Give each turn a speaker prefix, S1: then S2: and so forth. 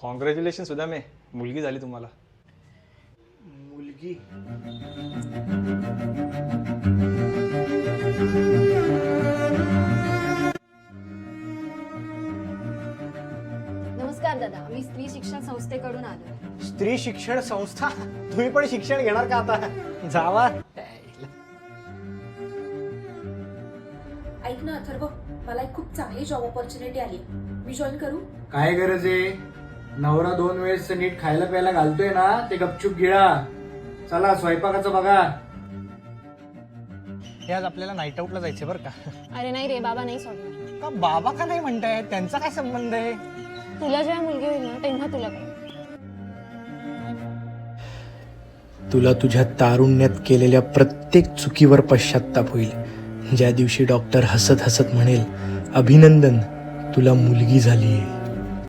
S1: Congratulation सुद्धा मे, मुलगी झाली तुम्हाला.
S2: मुलगी?
S3: नमस्कार दादा, मी स्त्री शिक्षण संस्थेकडून आलो.
S2: स्त्री शिक्षण संस्था? तुम्ही पण शिक्षण घेणार का आता? जावा.
S4: ऐक ना अथर्व, मला एक खूप चांगली जॉब ऑपॉर्च्युनिटी आली, मी जॉईन करू?
S5: काय गरज आहे? नवरा 2 वेळेस नीट खायला प्यायला घालतोय ना, ते गपचूप गिळा. चला स्वयंपाकाचं बघा.
S2: हे आज आपल्याला नाईट आउटला जायचं बरं का?
S3: अरे नाही रे, बाबा नाही सोडणार.
S2: का बाबा का नाही म्हणताय? त्यांचा काय संबंध आहे?
S3: तुला जेव्हा मुलगी होईल ना तेव्हा तुला कळेल.
S5: तुला तुझ्या तारुण्यात केलेल्या प्रत्येक चुकीवर पश्चाताप होईल. ज्या दिवशी डॉक्टर हसत हसत म्हणेल, अभिनंदन, तुला मुलगी झालीये.